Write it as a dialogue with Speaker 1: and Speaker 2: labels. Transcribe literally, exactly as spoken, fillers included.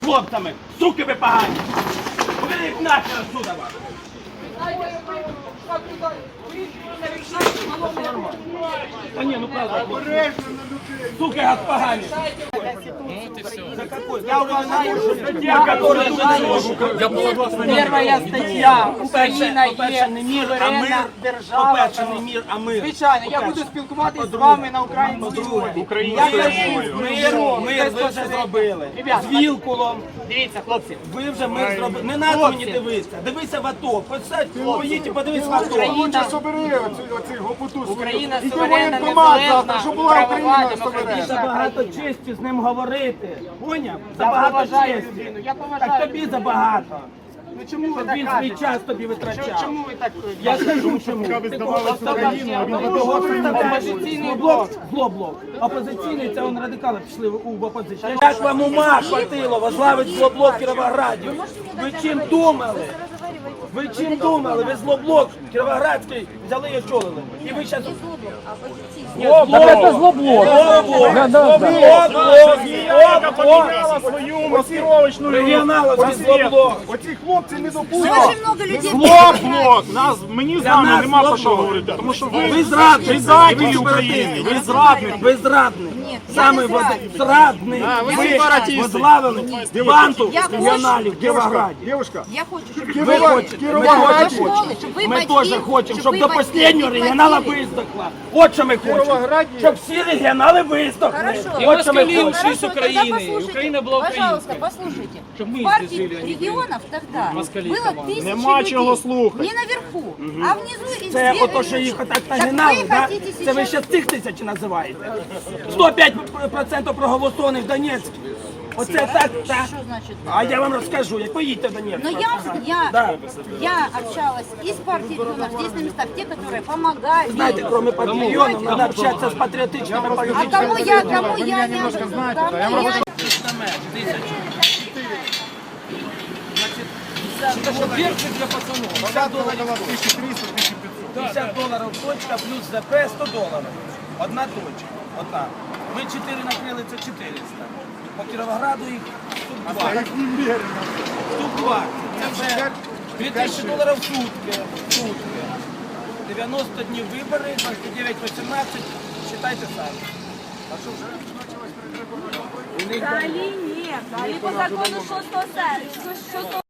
Speaker 1: хлопцями, суки ви погані. Уберіть нахер отсюда вас. Та ні, ну правда. Суки гад погані. За какой? Я уже знаю, что статья, которая
Speaker 2: Первая стаття. Україна є суверенна держава.
Speaker 1: По-перше, не мір, а мир.
Speaker 2: Звичайно, я буду спілкуватися з вами на українській мові. Я кажу,
Speaker 1: Мир, мир ви вже зробили. З Вілкулом.
Speaker 2: Дивіться, хлопці.
Speaker 1: Ви вже мир зробили. Не треба мені дивитися. Дивися в АТО. Поїдь і подивись в АТо.
Speaker 2: Україна,
Speaker 3: Собери оцей гопоту.
Speaker 2: Україна
Speaker 3: Іди
Speaker 2: суверенна,
Speaker 3: воєнкомат завтра,
Speaker 2: незалежна,
Speaker 3: щоб була
Speaker 2: правова,
Speaker 3: Україна
Speaker 1: І
Speaker 2: демократична.
Speaker 1: забагато честі з ним говорити. Поняв?
Speaker 2: Я
Speaker 1: Забагато
Speaker 2: поважаю
Speaker 1: честі.
Speaker 2: людину, я
Speaker 1: Так
Speaker 2: поважаю
Speaker 1: тобі
Speaker 2: людину.
Speaker 1: забагато.
Speaker 2: Ну чому ви
Speaker 1: Щоб
Speaker 2: так
Speaker 1: він свій
Speaker 2: кажете?
Speaker 1: час тобі
Speaker 2: Чому-
Speaker 1: витрачав.
Speaker 2: Чому ви так?
Speaker 1: Я скажу чому.
Speaker 2: Опозиційний блок.
Speaker 1: Злоблок. Опозиційний, це он радикали пішли в опозицію. Як вам ума хватило возглавить злоблок в Кіровограді? Ви чим думали? Ви чим думали? Ви злоблок Кіровоградський взяли і очолили. І ви зараз... Злоблок! Це злоблок! Злоблок!
Speaker 3: Свою маскировочну
Speaker 1: Регіоналовський злоблок!
Speaker 3: Оці хлопці не допустять.
Speaker 4: Очень много людей.
Speaker 3: Блок, блок. Нас, мені з
Speaker 1: Для
Speaker 3: вами
Speaker 1: нас
Speaker 3: нема про що
Speaker 1: злоблок.
Speaker 3: говорити, тому що ви,
Speaker 1: Ви зрадник!
Speaker 3: предателі України, ви зрадники.
Speaker 1: Ви зрадник!
Speaker 4: Ні, я
Speaker 1: Саме
Speaker 4: не
Speaker 1: воз-
Speaker 4: зрадник.
Speaker 1: зрадник!
Speaker 3: ви
Speaker 1: Ви
Speaker 3: сепаратисти.
Speaker 1: возглавили банту
Speaker 4: Я хочу-
Speaker 1: регіоналів в Кіровограді.
Speaker 3: Девушка,
Speaker 4: Я хочу, чтобы
Speaker 1: Ви
Speaker 3: Кіровоград-
Speaker 1: хочете, ми
Speaker 3: Кіровоград
Speaker 1: теж
Speaker 4: школи,
Speaker 1: хочемо.
Speaker 4: щоб ви
Speaker 1: Ми
Speaker 4: батьки,
Speaker 1: теж хочемо,
Speaker 4: щоб
Speaker 1: щоб
Speaker 4: ви
Speaker 1: до
Speaker 4: батьки
Speaker 1: останнього
Speaker 4: не
Speaker 1: регіонала
Speaker 4: платили.
Speaker 1: виздохла. От що ми хочемо.
Speaker 3: Кіровограді-
Speaker 1: Щоб всі регіонали виздохли.
Speaker 4: Хорошо.
Speaker 1: От що ми хочемо.
Speaker 4: Хорошо, тогда послушайте, пожалуйста, послушайте. В партии регионов тогда было тысячи
Speaker 3: Нема
Speaker 4: людей.
Speaker 3: чого слухати.
Speaker 4: Не наверху, а внизу и
Speaker 1: Це
Speaker 4: сверху.
Speaker 1: ото, що їх отак
Speaker 4: Так
Speaker 1: нагинали,
Speaker 4: ви
Speaker 1: да?
Speaker 4: хотите
Speaker 1: Це ви
Speaker 4: сейчас-
Speaker 1: ще цих тисяч називаєте. сто п'ять відсотків проголосованих в Донецьку. Оце так, так.
Speaker 4: Что значит?
Speaker 1: А я вам розкажу, як поїдьте в Донецьк.
Speaker 4: Но я, я,
Speaker 1: Да.
Speaker 4: я общалась и с партией регионов, здесь на местах, те, которые помогали.
Speaker 1: Знаете, кроме патриотов, надо общаться с патриотичными
Speaker 4: А
Speaker 1: политиками.
Speaker 4: кому я, кому я не кому я...
Speaker 1: п'ятдесят доларів точка плюс ЗП сто доларів. Одна точка. Одна. Ми чотири накрили, це чотириста. По Кіровограду їх штук два. Штук два. Це вже дві тисячі доларів в сутки. В сутки. дев'яносто днів вибори, двадцять дев'ять вісімнадцять. Считайте самі.
Speaker 5: Взагалі ні, взагалі по закону шостого серпня.